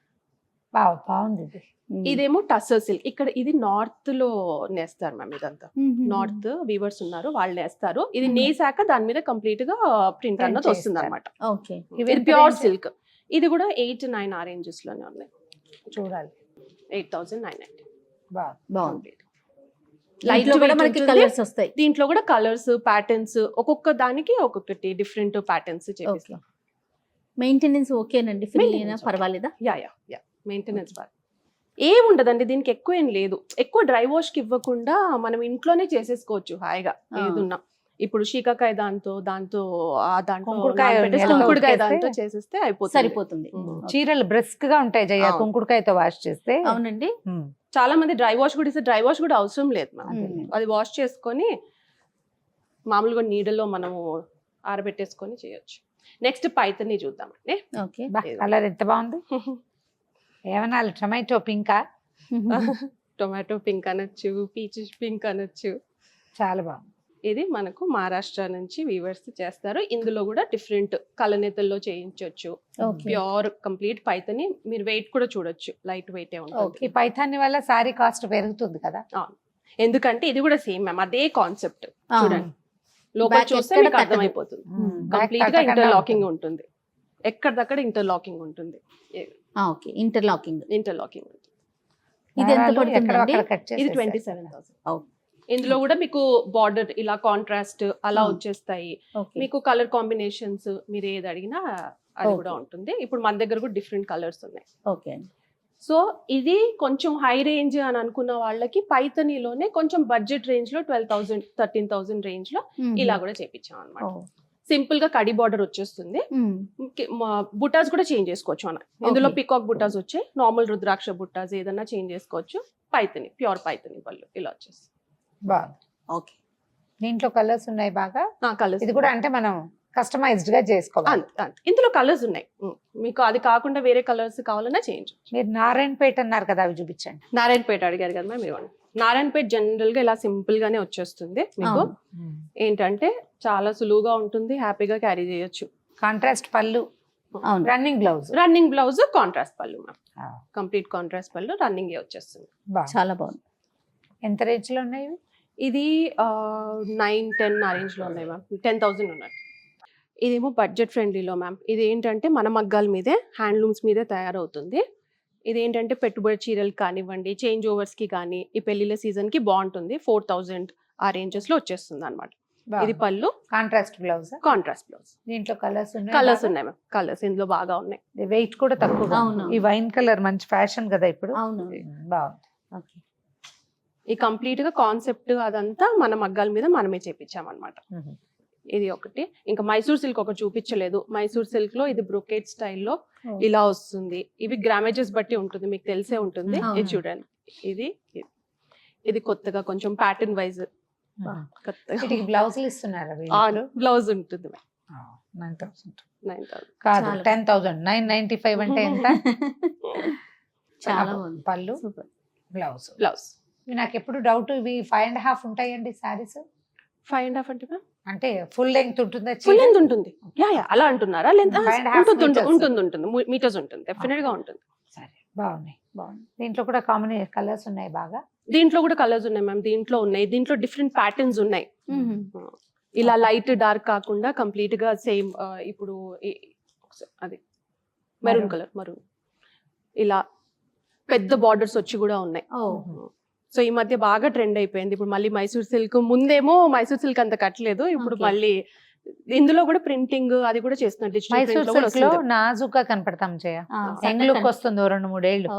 బాగుంది ఇది. ఇదేమో టస్సర్ సిల్క్. ఇక్కడ ఇది నార్త్ లో నేస్తారు మ్యామ్. ఇదంతా నార్త్ వీవర్స్ ఉన్నారు, వాళ్ళు నేస్తారు. ఇది నేసాక దాని మీద కంప్లీట్ గా ప్రింట్ అన్నది Print వస్తుంది అనమాట. ఓకే. ఇవి ఇది ఎంత ప్యూర్ range? సిల్క్. ఇది కూడా 8-9 ఆ ranges లోనే ఉన్నాయి. చూడాలి. 8,990. బాగుంది. Light లైట్ లో కూడా weight మనకి ఉంటుంది. కలర్స్ వస్తాయి. దీంట్లో కూడా కలర్స్, ప్యాటర్న్స్, ఒక్కొక్క దానికి ఒక్కొక్కటి డిఫరెంట్ ప్యాటర్న్స్ చేపిస్తాం. మెయింటెనెన్స్ ఓకేనండి, ఫ్రీ అయినా Maintenance okay. పర్వాలేదా? యా మెయింటెనెన్స్ బాగా ఏం ఉండదండి దీనికి, ఎక్కువ ఏం లేదు. ఎక్కువ డ్రై వాష్ కి ఇవ్వకుండా మనం ఇంట్లోనే చేసేసుకోవచ్చు హాయిగా ఏదున్నా. ఇప్పుడు శీకాకాయ దాంతో కుంకుడుకాయ నానబెట్టేసి నెలలో కుంకుడుకాయ ఉడికేస్తే దాంతో చేసేస్తే అయిపోతుంది. సరిపోతుంది. చీరలు బ్రిస్క్ గా ఉంటాయి జయ, అవును. కుంకుడుకాయతో వాష్ చేస్తే. అవునండి. చాలా మంది డ్రై వాష్ కూడా ఇస్తే, డ్రై వాష్ కూడా అవసరం లేదు మనం. అది వాష్ చేసుకొని మామూలుగా నీడలో మనము ఆరబెట్టేసుకొని చేయొచ్చు. నెక్స్ట్ పైతని చూద్దామండి. ఓకే. కలర్ ఎంత బాగుంది. ఏమన్నా టొమాటో పింకా? టొమాటో పింక్ అనొచ్చు, పీచ్ పింక్ అనొచ్చు. చాలా బాగుంది. ఇది మనకు మహారాష్ట్ర నుంచి వీవర్స్ చేస్తారు. ఇందులో కూడా డిఫరెంట్ కలనేతల్లో చేయించవచ్చు. ఓకే. Pure complete Paithani. మీరు వెయిట్ కూడా చూడొచ్చు, లైట్ వెయిట్ ఈ ఉంటుంది. పైథాన్ని వల్ల సారీ కాస్ట్ పెరుగుతుంది కదా. ఎందుకంటే ఇది కూడా సేమ్ మ్యామ్, అదే కాన్సెప్ట్. ఆ. చూడండి, లోపల Back చూస్తే ఎక్కడ మీకు కట్టదు. అర్థమైపోతుంది. Back కంప్లీట్ గా కట్టకుండా ఇంటర్లాకింగ్ ఉంటుంది. ఉంటుంది. ఎక్కడిదక్కడ ఇంటర్లాకింగ్ ఉంటుంది. ఓకే. ఇంటర్లాకింగ్. ఇంటర్లాకింగ్ ఉంటుంది. ఇది ఎంత దారాలు పడుతుందండి? ఎక్కడో అక్కడ cut ఇది చేసేస్తారు. 27,000. Oh. ఇందులో కూడా మీకు బార్డర్ ఇలా కాంట్రాస్ట్ అలా Hmm. వచ్చేస్తాయి. ఓకే. మీకు కలర్ కాంబినేషన్స్ మీరు ఏది అడిగినా అది కూడా Okay. ఉంటుంది. ఇప్పుడు మన దగ్గర కూడా డిఫరెంట్ కలర్స్ ఉన్నాయి. ఓకే. సో ఇది కొంచెం హై రేంజ్ అని అనుకున్న వాళ్ళకి పైతనీలోనే కొంచెం బడ్జెట్ రేంజ్ లో 12,000 13,000 రేంజ్ లో ఇలా కూడా చేపించాం అనమాట. సింపుల్ గా కడి బార్డర్ వచ్చేస్తుంది. బుటాస్ కూడా చేంజ్ చేసుకోవచ్చు అన్న. ఇందులో Okay. పికాక్ బుటాస్ వచ్చాయి, నార్మల్ రుద్రాక్ష బుటాస్ ఏదన్నా చేంజ్ చేసుకోవచ్చు. పైతని ప్యూర్ పైతని పళ్ళు ఇలా వచ్చేసి బాగుంది. ఓకే. దీంట్లో కలర్స్ ఉన్నాయి బాగా. కలర్స్ ఇది కూడా అంటే మనం కస్టమైజ్డ్ గా చేసుకోవాలి. ఇందులో కలర్స్ ఉన్నాయి. మీకు అది కాకుండా వేరే కలర్స్ కావాలన్నా చేంజ్. మీరు నారాయణపేట అన్నారు కదా, అవి చూపించండి. నారాయణపేట అడిగారు కదా మ్యామ్, ఇవ్వండి. నారాయణపేట జనరల్ గా ఇలా సింపుల్ గానే వచ్చేస్తుంది మీకు. ఏంటంటే చాలా సులువుగా ఉంటుంది, హ్యాపీగా క్యారీ చేయొచ్చు. కాంట్రాస్ట్ పళ్ళు. అవును. Running blouse running blouse contrast పళ్ళు మ్యామ్, కంప్లీట్ కాంట్రాస్ట్ పళ్ళు, రన్నింగ్ వచ్చేస్తుంది. చాలా బాగుంది. ఎంత రేంజ్ లో ఉన్నాయి ఇవి? ఇది 9-10 ఆ రేంజ్ లో ఉన్నాయి మ్యామ్, 10,000 ఉన్నాయి. ఇదేమో బడ్జెట్ ఫ్రెండ్లీలో మ్యామ్. ఇది ఏంటంటే మన మగ్గాల మీదే, హ్యాండ్లూమ్స్ మీదే తయారవుతుంది. ఇది ఏంటంటే పెట్టుబడి చీరలు కానివ్వండి, చేంజ్ ఓవర్స్ కి కానీ, ఈ పెళ్లిళ్ళ సీజన్ కి బాగుంటుంది. 4,000 ఆ రేంజెస్ లో వచ్చేస్తుంది అనమాట. ఇది పళ్ళు, కాంట్రాస్ట్ బ్లౌజ్. Contrast blouse. దీంట్లో కలర్స్ ఉన్నాయి. కలర్స్ ఉన్నాయి మ్యామ్, కలర్స్ ఇందులో బాగా ఉన్నాయి. వెయిట్ కూడా తక్కువ. అవును. ఈ వైన్ కలర్ మంచి ఫ్యాషన్ కదా ఇప్పుడు. అవును. బాగుంది. ఓకే. ఈ కంప్లీట్ గా కాన్సెప్ట్ అదంతా మన మగ్గాల మీద మనమే చేపించామన్నమాట. ఇది ఒకటి. ఇంకా మైసూర్ సిల్క్ ఒకటి చూపించలేదు. మైసూర్ సిల్క్ లో ఇది బ్రొకేట్ స్టైల్లో ఇలా వస్తుంది. ఇవి గ్రామేజెస్ బట్టి ఉంటుంది, మీకు తెలిసే ఉంటుంది. అవును. ఇది చూడండి, ఇది కొత్తగా కొంచెం ప్యాటర్న్ వైజ్ వీటికి బ్లౌజులు ఇస్తున్నారా? బ్లౌజ్ ఉంటుంది. 9,000 9,000 కాదు, చాలా. 10,000. 995 అంటే ఎంత? చాలా బాగుంది. పళ్ళు, సూపర్. బ్లౌజ్. బ్లౌజ్ నాకు ఎప్పుడు డౌట్, ఇవి 5.5 ఉంటాయండి సారీస్? 5.5 అంటే అంటే ఫుల్ లెంగ్త్ ఉంటుందా? ఫుల్ లెంత్ ఉంటుంది. అలా అంటున్నారా? లెంత్ 5.5 ఉంటుంది, మీటర్స్ ఉంటుంది, డెఫినెట్ గా ఉంటుంది. సరే, బాగున్నాయి. దీంట్లో కూడా కాంబినేషన్ కలర్స్ ఉన్నాయి బాగా. దీంట్లో కూడా కలర్స్ ఉన్నాయి మ్యామ్, దీంట్లో డిఫరెంట్ ప్యాటర్న్స్ ఉన్నాయి. ఇలా లైట్ డార్క్ కాకుండా కంప్లీట్ గా సేమ్. ఇప్పుడు అది మెరూన్ కలర్, మరూన్, ఇలా పెద్ద బార్డర్స్ వచ్చి కూడా ఉన్నాయి. సో ఈ మధ్య బాగా ట్రెండ్ అయిపోయింది. ఇప్పుడు మళ్ళీ మైసూర్ సిల్క్, ముందేమో మైసూర్ సిల్క్ అంత కట్టలేదు, ఇప్పుడు మళ్ళీ ఇందులో కూడా ప్రింటింగ్ అది కూడా చేస్తున్నారు. మైసూర్ సిల్క్ లో నాజుగా కనపడతాం చేయ, యంగ్ లుక్ వస్తుంది 2-3 ఏళ్ళు.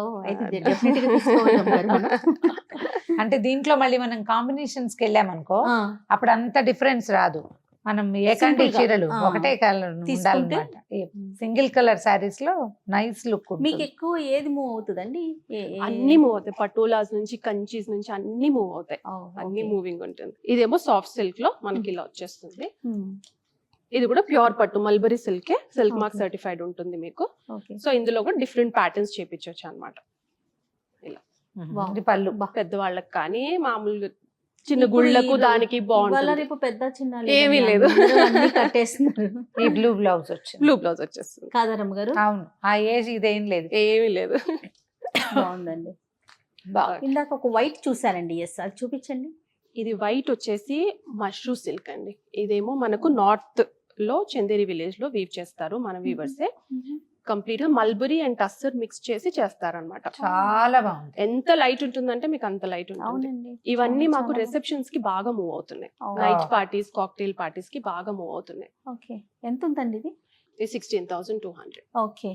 అంటే దీంట్లో మళ్ళీ మనం కాంబినేషన్స్ కి వెళ్ళామనుకో, అప్పుడు అంత డిఫరెన్స్ రాదు. మనం ఏకండి చీరలు ఒకటే కలర్ ఉండాలన్నమాట. సింగిల్ కలర్ సారీస్ లో నైస్ లుక్. మీకు ఎక్కువ ఏది మూవ్ అవుతుందండి? అన్ని మూవ్ అవుతాయి, పటోలాస్ నుంచి, కంచీస్ నుంచి అన్ని మూవ్ అవుతాయి. అన్ని మూవింగ్ ఉంటుంది. ఇదేమో సాఫ్ట్ సిల్క్ లో మనకి ఇలా వచ్చేస్తుంది. ఇది కూడా ప్యూర్ పట్టు mulberry silk, silk mark certified ఉంటుంది మీకు. సో ఇందులో కూడా డిఫరెంట్ ప్యాటర్న్స్ చేపించవచ్చు అన్నమాట. ఇలా పళ్ళు పెద్దవాళ్ళకి కానీ, మామూలు చిన్న గుళ్ళకు దానికి బాగుంటుంది. పెద్ద చిన్న ఏమీ లేదు, కట్టేస్తున్నారు. ఈ బ్లూ బ్లౌజ్ వచ్చింది. బ్లూ బ్లౌజ్ వచ్చేస్తుంది. కాదరమ్మ గారు? అవును, ఆ ఏజ్ ఇదేం లేదు, ఏమీ లేదు. బాగుందండి. ఇందాక ఒక వైట్ చూసానండి, ఎస్ అది చూపించండి. ఇది వైట్ వచ్చేసి మష్రూ సిల్క్ అండి. ఇదేమో మనకు నార్త్ లో చందేరి విలేజ్ లో వీవ్ చేస్తారు మన వీవర్సే. కంప్లీట్ గా మల్బరీ అండ్ టస్సర్ మిక్స్ చేసి చేస్తారన్నమాట. చాలా బాగుంది. ఎంత లైట్ ఉంటుందంటే మీకు అంత లైట్ ఉంటుంది. ఇవన్నీ మాకు రిసెప్షన్స్ కి బాగా మూవ్ అవుతున్నాయి. నైట్ పార్టీస్, కాక్టైల్ పార్టీస్ కి బాగా మూవ్ అవుతున్నాయి. ఓకే. ఎంత ఉందండి ఇది? 16,200. ఓకే,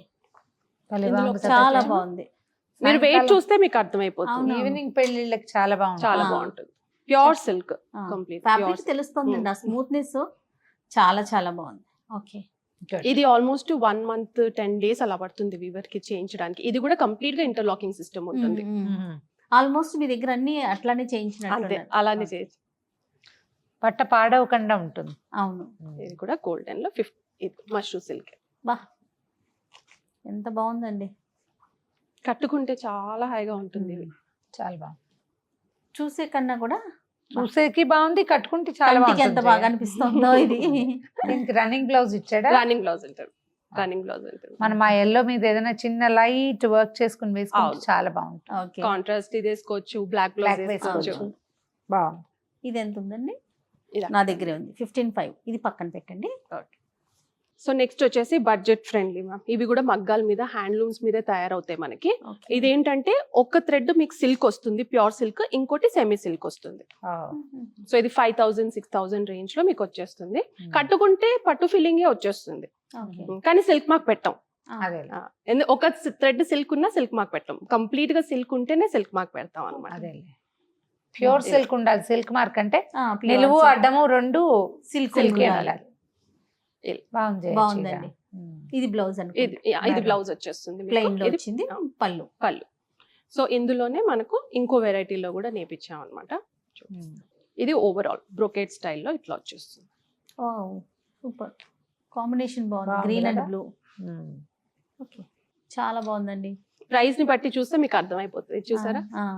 చాలా బాగుంది. మీరు వెయిట్ చూస్తే మీకు అర్థమైపోతుంది. ఈవినింగ్ పెళ్లిళ్ళకి చాలా బాగుంది, చాలా బాగుంటుంది. ప్యూర్ సిల్క్, కంప్లీట్ ఫ్యాబ్రిక్ తెలుస్తుంది, ఆ స్మూత్నెస్ చాలా చాలా బాగుంది. ఓకే. ఇది ఆల్మోస్ట్ 1 month 10 days అలా పడుతుంది వీవర్ కి చేయించడానికి. ఇది కూడా కంప్లీట్ గా ఇంటర్లాకింగ్ సిస్టమ్ ఉంటుంది. ఆల్మోస్ట్ మీ దగ్గర అన్ని అట్లానే చేయించినట్టు. అంతే, అలానే చేయించి పట్ట పాడవకుండా ఉంటుంది. అవును. ఇది కూడా గోల్డెన్ లో 50 మష్రూ సిల్క్. బా, ఎంత బాగుందండి. కట్టుకుంటే చాలా హాయిగా ఉంటుంది. ఇది చాలా బాగుంది. చూసే కన్నా కూడా చూసేకి బాగుంది, కట్టుకుంటే చాలా బాగుంది. ఎంత బాగా అనిపిస్తుందో ఇది. దీనికి రన్నింగ్ బ్లౌజ్ ఇచ్చాడా? రన్నింగ్ బ్లౌజ్ ఉంటుంది, రన్నింగ్ బ్లౌజ్ ఉంటుంది. మనం ఆ ఎల్లో మీద ఏదైనా చిన్న లైట్ వర్క్ చేసుకుని వేసుకుంటే చాలా బాగుంటుంది. కాంట్రాస్ట్ ఇది వేసుకోవచ్చు, బ్లాక్ బ్లౌజ్ వేసుకోవచ్చు. బాగుంది. ఇది ఎంత ఉందండి? నా దగ్గరే ఉంది 15,500. ఇది పక్కన పెట్టండి. ఓకే. సో నెక్స్ట్ వచ్చేసి బడ్జెట్ ఫ్రెండ్లీ మ్యామ్. ఇవి కూడా మగ్గాల మీద, హ్యాండ్లూమ్స్ మీద తయారవుతాయి మనకి. ఇదేంటంటే ఒక థ్రెడ్ మీకు సిల్క్ వస్తుంది, ప్యూర్ సిల్క్, ఇంకోటి సెమీ సిల్క్ వస్తుంది. సో ఇది 5,000, 6,000 రేంజ్ లో మీకు వచ్చేస్తుంది. కట్టుకుంటే పట్టు ఫీలింగే వచ్చేస్తుంది, కానీ సిల్క్ మార్క్ పెట్టాం. ఒక థ్రెడ్ సిల్క్ ఉన్నా సిల్క్ మార్క్ పెట్టాం. కంప్లీట్ గా సిల్క్ ఉంటేనే సిల్క్ మార్క్ పెడతాం అనమాట. ప్యూర్ సిల్క్ ఉండాలి. సిల్క్ మార్క్ అంటే నిలువు అడ్డము రెండు సిల్క్ ఉండాలి. బాగుందండి. ఇది బ్లౌజ్ ఇది బ్లౌజ్ వచ్చేస్తుంది, ప్లెయిన్ లో వచ్చింది. పళ్ళు పళ్ళు. సో ఇందులోనే మనకు ఇంకో వెరైటీలో కూడా నేర్పించాం అనమాట. ఇది ఓవరాల్ బ్రోకేట్ స్టైల్లో ఇట్లా వచ్చేస్తుంది. సూపర్ కాంబినేషన్, బాగుంది. Green and blue. ఓకే, చాలా బాగుందండి. ప్రైస్ ని బట్టి చూస్తే మీకు అర్థమైపోతుంది. చూసారా,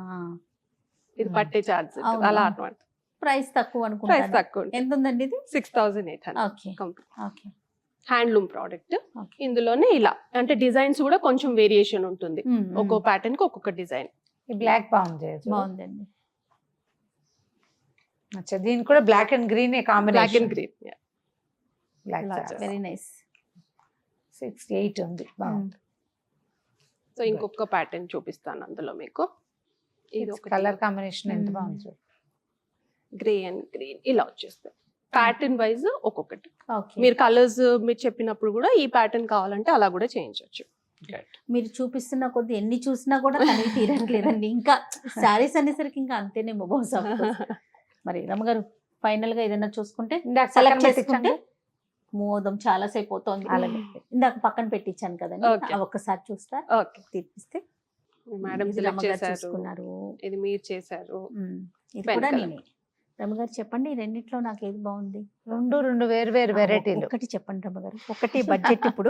ఇది పట్టే చార్జ్ అలా అన్నమాట. ప్రైస్ తక్కువ అనుకుంటా. ప్రైస్ తక్కువ. ఎంత ఉందండి ఇది? 6,800. Okay okay. Handloom product. Okay. ఇందులోనే ఇలా అంటే డిజైన్స్ కూడా కొంచెం వేరియేషన్ ఉంటుంది, ఒక్కో ప్యాటర్న్ కి ఒక్కొక్క డిజైన్. ఈ బ్లాక్ బాగుంది. బాగుందండి. అచ్చా, దీనికి కూడా black and green black combination. And green. Black very nice. 68 ఉంది, బాగుంది. సో ఇంకొక ప్యాటర్న్ చూపిస్తాను అందులో మీకు. ఇది ఒక కలర్ కాంబినేషన్ ఎంత బాగుంది. గ్రే అండ్ గ్రీన్ ఇలా వచ్చేస్తాయి. ప్యాటర్న్ వైజ్ ఒక్కొక్కటి. ఓకే. మీరు కలర్స్ మీరు చెప్పినప్పుడు కూడా ఈ ప్యాటర్న్ కావాలంటే అలా కూడా చేయించవచ్చు. మీరు చూపిస్తున్న కొద్ది ఎన్ని చూసినా కూడా కనివి తీరట్లేదండి. ఇంకా శారీస్ అనేసరికి ఇంకా అంతేనేమో బహుశా. మరి రమ్మగారు ఫైనల్ గా ఏదైనా చూసుకుంటే ఇందాక సెలెక్ట్ పక్కన చేసుకుంటే మోదం చాలా సేపు అవుతోంది. అలాగే. ఇందాక పక్కన పెట్టించాను కదండి, Okay. అవి ఒక్కసారి చూస్తా ఓకే తీర్పిస్తే. మేడం ఇది సెలెక్ట్ రమ్మగారు చేశారు, చూసుకున్నారు. ఇది మీరు చేశారు. ఇది Pen కూడా colour. నేనే. రమ్మగారు చెప్పండి, ఈ రెండిట్లో నాకు ఏది బాగుంది? రెండు వేరు వెరైటీలు. ఒకటి చెప్పండి రమ్మగారు, ఒకటి బడ్జెట్ ఇప్పుడు.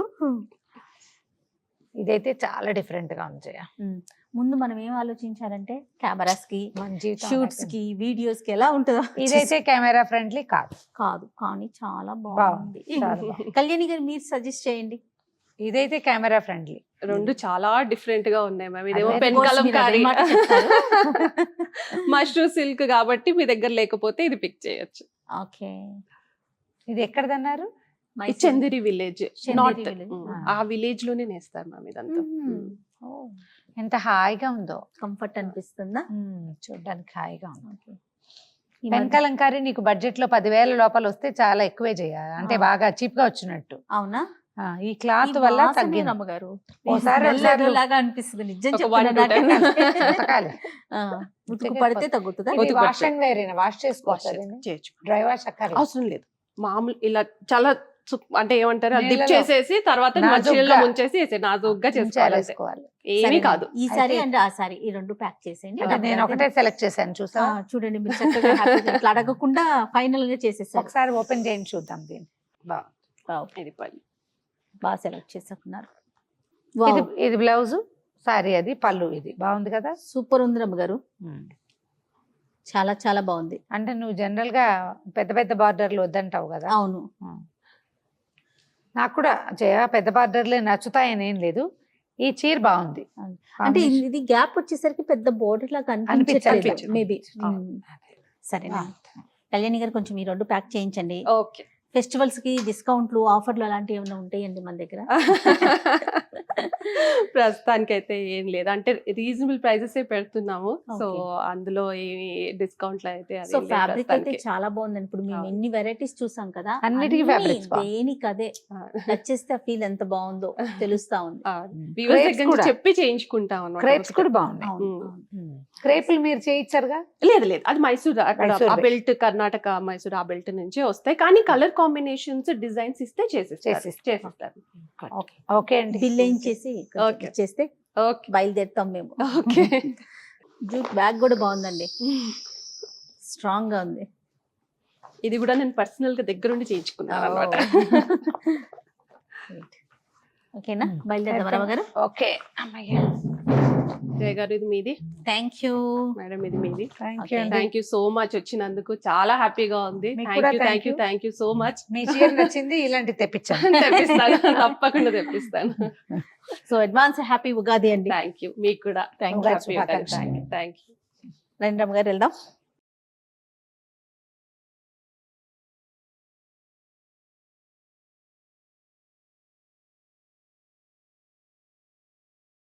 ఇదైతే చాలా డిఫరెంట్ గా ఉంది జయ. ముందు మనం ఏం ఆలోచించాలంటే కెమెరాస్ కి, మన జీవితం షూట్స్ అలాగే. కి, వీడియోస్ కి ఎలా ఉంటుందో. ఇదైతే కెమెరా ఫ్రెండ్లీ కాదు. కాదు కానీ చాలా బాగుంది, బాగుంది. చాలా బాగుంది. కళ్యాణి గారు మీరు సజెస్ట్ చేయండి. ఇదైతే కెమెరా ఫ్రెండ్లీ. రెండు చాలా డిఫరెంట్ గా ఉన్నాయి మ్యామ్. ఇదేమో అదే, పెన్ Of course, కలం మీరు అదే కారీ, మాట చెప్తారు. మష్రూ సిల్క్ కాబట్టి మీ దగ్గర లేకపోతే ఇది పిక్ చేయొచ్చు. ఓకే. ఇది ఎక్కడదన్నారు? ఈ Chanderi village, Chanderi north. village. ఆ విలేజ్ లోనే నేస్తారు మ్యామ్ ఇదంతా. ఎంత హాయిగా ఉందో. కంఫర్ట్ అనిపిస్తుందా? చూడడానికి హాయిగా ఉంది. ఓకే. ఈ పెన్ మధ్య- కలంకారీ నీకు బడ్జెట్ లో 10,000 లోపల వస్తే చాలా ఎక్కువే చేయాలి, అంటే బాగా చీప్ గా వచ్చినట్టు. అవునా? ఈ క్లాత్ ఈ వల్ల వాసనే తగ్గింది. రమ్మగారు. ఓసారి Smell ఒకసారి లాగా అనిపిస్తుంది నిజం ఒక చెప్తున్నా 1 to 10 నాకైతే. ఉతకాలి. ఆ, ఉతుకు పడితే తగ్గుతుందా? ఇది ఉతుకు వాష్ పడితే. అండ్ వేర్ వాష్ చేసుకోవచ్చు. చేయొచ్చు. డ్రై వాష్ అక్కర్లేదు. అవసరం లేదు, మామూలు ఇలా చాలా అంటే ఏమంటారు డిప్ నీళ్ళలో చేసేసి తర్వాత నాజూగ్గా మంచినీళ్ళలో ముంచేసి నాజుగ్గా చేసుకోవాలి. వేసుకోవాలి. ఏమీ సరే, కాదు. ఈ సారీ అయితే- అండ్ ఆ సారీ ఈ రెండు ప్యాక్ చేసేయండి. అంటే నేను ఒకటే సెలెక్ట్ చేశాను, ఆ, చూసా. చూడండి మీరు చక్కగా హ్యాపీగా ఇట్లా అడగకుండా ఫైనల్ గా చేసేసారు. ఒకసారి ఓపెన్ చేయండి చూద్దాం దీన్ని. ఇది పల్లి. బాగా సెలెక్ట్ చేసుకున్నారు. ఇది బ్లౌజ్, సారీ అది పళ్ళు. ఇది బాగుంది కదా. సూపర్ ఉంది రమ్మగారు, చాలా చాలా బాగుంది. అంటే నువ్వు జనరల్ గా పెద్ద పెద్ద బార్డర్లు వద్దంటావు కదా. అవును. నాకు కూడా జయ పెద్ద బార్డర్లే నచ్చుతాయని ఏం లేదు. ఈ చీర బాగుంది. అంటే ఇది గ్యాప్ వచ్చేసరికి పెద్ద బోర్డర్ లాగా అనిపించట్లేదు అనిపించదు. మేబీ. అవును. సరే కళ్యాణి గారు కొంచెం ఈ రెండు ప్యాక్ చేయించండి. ఓకే. ఫెస్టివల్స్ కి డిస్కౌంట్లు ఆఫర్లు అలాంటివి ఏమైనా ఉంటాయండి మన దగ్గర? ప్రస్తుతానికి అయితే ఏం లేదు, అంటే రీజనబుల్ ప్రైజెస్ పెడుతున్నాము. So Okay. అందులో ఏమి డిస్కౌంట్లు అయితే అది సో లేదు ఫ్యాబ్రిక్ అయితే ప్రస్తుతానికి. చాలా బాగుందండి. ఇప్పుడు మేము అవును. ఎన్ని వెరైటీస్ చూసాం కదా, అన్నిటికీ అన్ని fabrics బాగుంది. దేనికి అదే నచ్చేస్తే ఆ ఫీల్ ఎంత బాగుందో తెలుస్తా ఉంది. Viewers Crepes దగ్గర నుంచి కూడా. చెప్పి చేయించుకుంటాం అన్నమాట. క్రేప్స్ కూడా బాగున్నాయి. అవును, ఉమ్. అవును. క్రేపులు మీరు చేయించారుగా. లేదు అది మైసూర్, అక్కడ మైసూర్ ఆ బెల్ట్ కర్ణాటక మైసూర్ ఆ బెల్ట్ నుంచే వస్తాయి, కానీ కలర్ కాంబినేషన్స్ డిజైన్స్ ఇస్తే చేసిస్తారు. ఓకే ఓకే అండి. బిల్ వేయించేసి Okay. చేస్తే ఓకే బయలుదేరుతాం మేము. ఓకే. జూట్ బ్యాగ్ కూడా బాగుందండి, స్ట్రాంగ్ గా ఉంది. ఇది కూడా నేను పర్సనల్ గా దగ్గరుండి చేయించుకున్నాను అనమాట. ఓకేనా, బయలుదేరదాం రమ గారు. ఓకే అమ్మయ్య. జయ గారు ఇది మీది, థ్యాంక్ యూ మేడం ఇది మీది. థ్యాంక్ యూ అండి. థ్యాంక్ యూ సో మచ్ వచ్చినందుకు, చాలా హ్యాపీగా ఉంది. మీకు థ్యాంక్ కూడా you thank thank you you. Thank you so much. మీ చీర నచ్చింది, ఇలాంటి తెప్పించాను. తెప్పిస్తాను, తప్పకుండా తెప్పిస్తాను. సో అడ్వాన్స్ హ్యాపీ ఉగాది అండి. థ్యాంక్ యూ, మీకు కూడా Thank you. Happy. Thank you. రండి రమ గారు వెళ్దాం.